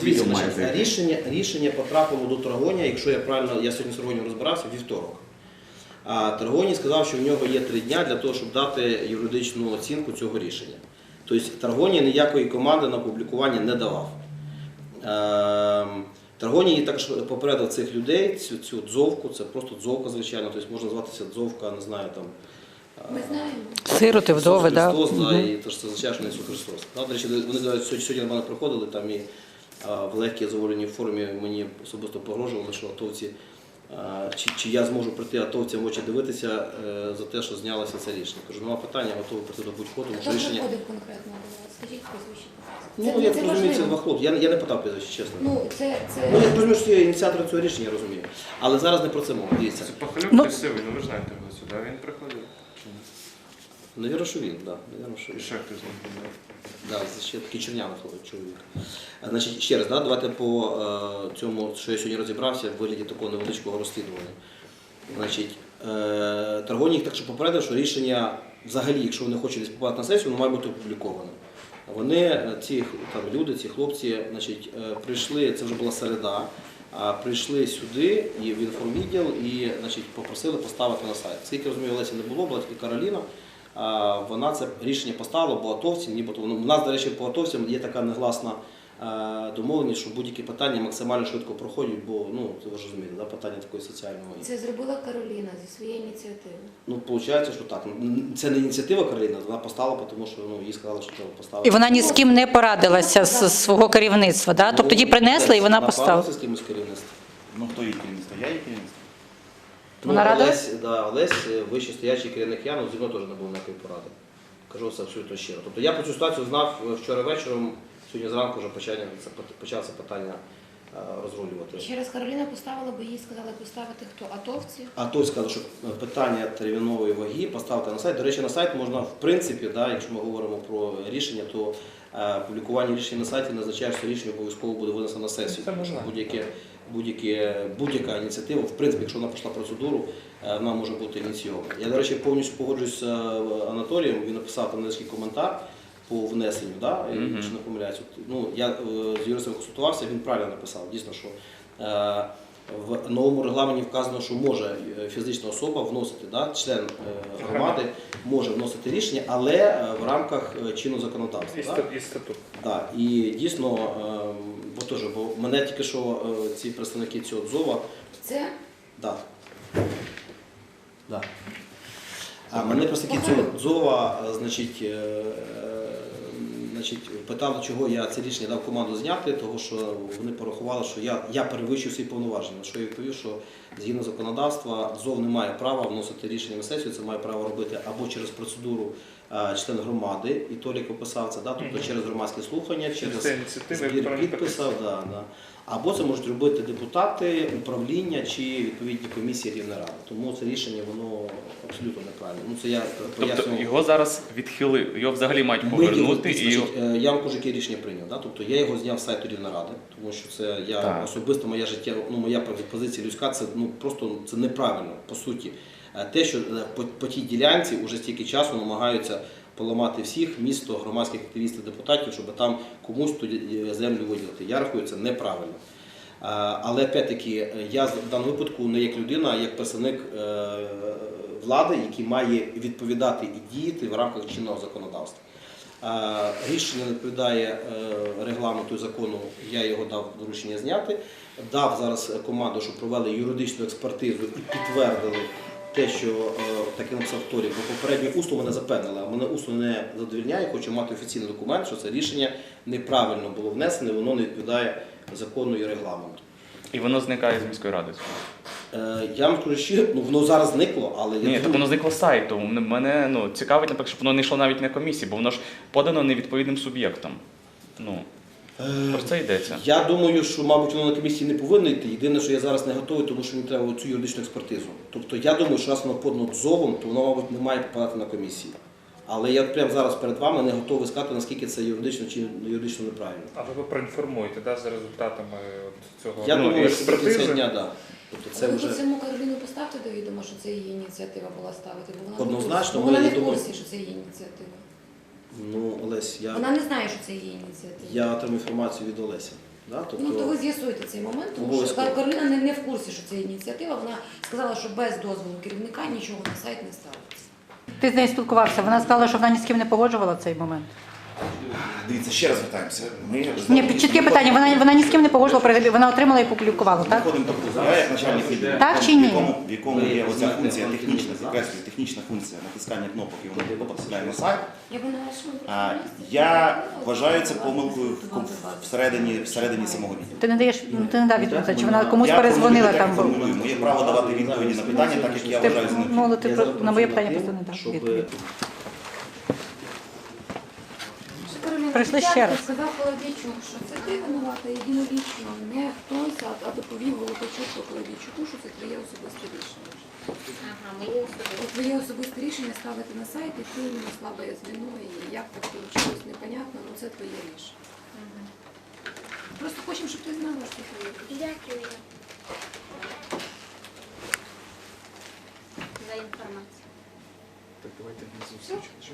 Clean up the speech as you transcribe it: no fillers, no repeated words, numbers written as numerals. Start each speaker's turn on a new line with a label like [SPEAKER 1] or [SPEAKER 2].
[SPEAKER 1] Дивіться, рішення потрапило до Таргонія, якщо я правильно, я сьогодні з Таргонієм розбирався, вівторок. А Таргоній сказав, що в нього є 3 дні для того, щоб дати юридичну оцінку цього рішення. Тобто Таргоній ніякої команди на публікування не давав. Таргоній також попередив цих людей, цю дзовку, це просто дзовка, звичайно, тобто можна зватися дзовка, не знаю, там,
[SPEAKER 2] Ми знаємо.
[SPEAKER 3] Сироти, вдови, так.
[SPEAKER 1] Христос, да, і то, що це означає, що не Ісус Христос. Да, до речі, вони сьогодні до мене приходили, там і в легкій заволеній формі мені особисто погрожували, що атовці, чи я зможу прийти атовцям в очі дивитися за те, що знялося це рішення. Кажу, нема питання, готовий прийти до будь-кого, тому що
[SPEAKER 2] Хто
[SPEAKER 1] рішення...
[SPEAKER 2] приходив конкретно до вас? Скажіть прізвище.
[SPEAKER 1] Ну, я розумію, це 2 хлопці. Я не питав прізвище, чесно.
[SPEAKER 2] Ну,
[SPEAKER 1] Ну, я розумію, що є ініціатор цього рішення, я розумію. Але зараз не про це мова, дивіться.
[SPEAKER 4] Це Пахалюк красивий, ну ви знаєте його сюди, він приходив.
[SPEAKER 1] Навірно, що він, так.
[SPEAKER 4] І ще хтось з ним був.
[SPEAKER 1] Да, ще такий чернявий чоловік. Значить, ще раз, да, давайте по цьому, що я сьогодні розібрався, в вигляді такого невеличкого розслідування. Значить, Таргоній їх так що попередив, що рішення взагалі, якщо вони хочуть десь попадати на сесію, воно має бути опубліковане. Вони, ці там, люди, ці хлопці, значить, прийшли, це вже була середа, прийшли сюди і в інформвідділ і, значить, попросили поставити на сайт. Скільки розумію, Олеся не було, була тільки Кароліна. Вона це рішення поставила, бо атовці, нібито, у нас, до речі, по атовцям є така негласна домовленість, що будь-які питання максимально швидко проходять, бо, ну, ви ж розумієте, да, питання такої соціальної.
[SPEAKER 2] це зробила Кароліна зі своєї ініціативи.
[SPEAKER 1] Ну, виходить, що так. Це не ініціатива Кароліни, вона поставила, тому що їй сказали, що треба поставити.
[SPEAKER 3] І вона ні з ким не порадилася з свого керівництва, да? Тобто її принесли і вона поставила.
[SPEAKER 1] З кимось керівництва.
[SPEAKER 5] Ну хто її керівництво? Я її керівництво.
[SPEAKER 3] Вона радилась?
[SPEAKER 1] Олесь, вище стоячий керівник Яну, зі мною теж не було ніякої поради. Кажу це абсолютно щиро. Тобто я про цю ситуацію знав вчора вечором, сьогодні зранку вже почалося питання розрулювати.
[SPEAKER 2] Ще раз Кароліна поставила, бо їй сказали поставити хто? Атовці?
[SPEAKER 1] А той сказав, що питання термінової ваги поставити на сайт. До речі, на сайт можна, в принципі, да, якщо ми говоримо про рішення, то публікування рішення на сайті не означає, що рішення обов'язково буде винесено на сесію.
[SPEAKER 4] Це можна.
[SPEAKER 1] Будь-яка ініціатива, в принципі, якщо вона пройшла процедуру, вона може бути ініційована. Я, до речі, повністю погоджуюсь з Анатолієм, він написав там невеличкий коментар по внесенню, да? Якщо не помиляюсь. Ну, я з юристом консультувався, він правильно написав, дійсно, що в новому регламенті вказано, що може фізична особа вносити, да? Член громади може вносити рішення, але в рамках чинного законодавства.
[SPEAKER 4] І статут.
[SPEAKER 1] Да, і дійсно, бо мене тільки що ці представники цього ДЗОВа.
[SPEAKER 2] Це?
[SPEAKER 1] Да. Да. А мене представники цього ДЗОВа, значить, питали, чого я це рішення дав команду зняти, тому що вони порахували, що я перевищив свої повноваження. Що я відповів, що згідно законодавства ДЗОВ не має права вносити рішення на сесію, це має право робити або через процедуру член громади, і Толік описав це, да, тобто через громадські слухання, через збір підписів, або це можуть робити депутати, управління чи відповідні комісії Рівної ради. Тому це рішення, воно абсолютно неправильне. Ну, це я пояснював.
[SPEAKER 6] Тобто його зараз відхилили, його взагалі мають повернути?
[SPEAKER 1] Я вам кажу, яке рішення прийняв. Да? Тобто я його зняв з сайту Рівної ради, тому що це особисто моя життя, моя позиція людська, це просто це неправильно, по суті. Те, що по тій ділянці вже стільки часу намагаються поламати всіх, місто, громадських активістів, депутатів, щоб там комусь ту землю виділити. Я рахую, це неправильно. Але, опять-таки, я в даному випадку не як людина, а як представник влади, який має відповідати і діяти в рамках чинного законодавства. Рішення не відповідає регламенту і закону, я його дав доручення зняти. Дав зараз команду, щоб провели юридичну експертизу і підтвердили те, що таке написав Торі, бо попередньо усно мене запевнили, а мене усно не задовільняє, хочу мати офіційний документ, що це рішення неправильно було внесене, воно не відповідає закону і регламенту.
[SPEAKER 6] І воно зникає з міської ради?
[SPEAKER 1] Я вам скажу, що воно зараз зникло, але...
[SPEAKER 6] Ні, так воно зникло з сайту. Мене цікавить, наприклад, щоб воно не йшло навіть на комісії, бо воно ж подано невідповідним суб'єктом. Про це йдеться.
[SPEAKER 1] Я думаю, що, мабуть, воно на комісії не повинно йти. Єдине, що я зараз не готовий, тому що мені треба цю юридичну експертизу. Тобто я думаю, що раз воно подано ДЗОВом, то воно, мабуть, не має попадати на комісії. Але я прямо зараз перед вами не готовий сказати, наскільки це юридично чи юридично неправильно.
[SPEAKER 4] А ви проінформуєте, да, за результатами цього
[SPEAKER 1] Я думаю, що до
[SPEAKER 4] експертизи?
[SPEAKER 1] кінця дня, так. Тобто це
[SPEAKER 2] Ви
[SPEAKER 1] вже...
[SPEAKER 2] саму Кароліну поставте до відома, що це її ініціатива була ставити? Бо
[SPEAKER 1] Однозначно,
[SPEAKER 2] вона не
[SPEAKER 1] я
[SPEAKER 2] в
[SPEAKER 1] думаю-
[SPEAKER 2] курсі, що це її ініціатива.
[SPEAKER 1] Ну, Олесь,
[SPEAKER 2] Вона не знає, що це її ініціатива.
[SPEAKER 1] я отримав інформацію від Олеся. Да?
[SPEAKER 2] Ну, то ви
[SPEAKER 1] Тобто,
[SPEAKER 2] з'ясуєте цей момент, тому що
[SPEAKER 1] Обов'язково.
[SPEAKER 2] Кароліна не в курсі, що це ініціатива. Вона сказала, що без дозволу керівника нічого на сайт не ставиться.
[SPEAKER 3] Ти з нею спілкувався, вона сказала, що вона ні з ким не погоджувала цей момент.
[SPEAKER 5] Дивіться, ще раз звертаємося. Ми
[SPEAKER 3] Ні, чітке питання, вона ні з ким не погоджувала, вона отримала і публікувала, так?
[SPEAKER 5] виходимо до курсу. Я як начальник відділу,
[SPEAKER 3] Так чи ні?
[SPEAKER 5] в якому є оця функція технічна, підкреслюю, технічна функція натискання кнопок, і воно потрапляє на сайт. Я вважаю це помилкою всередині самого відділу.
[SPEAKER 3] Ти не даєш, ти не дав відповідь, чи вона комусь перезвонила там.
[SPEAKER 5] формулюю. Моє право давати відповіді на питання, так як я
[SPEAKER 3] Ти,
[SPEAKER 5] вважаю за необхідне.
[SPEAKER 3] ну, але ти
[SPEAKER 1] Я
[SPEAKER 3] про-
[SPEAKER 1] зараз
[SPEAKER 3] на моє
[SPEAKER 1] прошу
[SPEAKER 3] питання
[SPEAKER 1] вас,
[SPEAKER 3] просто не дав
[SPEAKER 1] щоб,
[SPEAKER 3] відповідь.
[SPEAKER 2] Кароліна,
[SPEAKER 3] Прийшли ще
[SPEAKER 2] спочатку
[SPEAKER 3] раз.
[SPEAKER 2] сказав Колодійчук, що це ти винувата єдинолічно, не хтось, а доповів Волокачуку Колодійчуку, що це твоє особисте рішення. От твоє особисте рішення ставити на сайт, і ти не слабе звіно, і як так вийшло, непонятно, але це твоє рішення. Просто хочемо, щоб ти знала, що це твоє рішення.
[SPEAKER 7] Дякую за інформацію.
[SPEAKER 4] Так, давайте не зустрічати.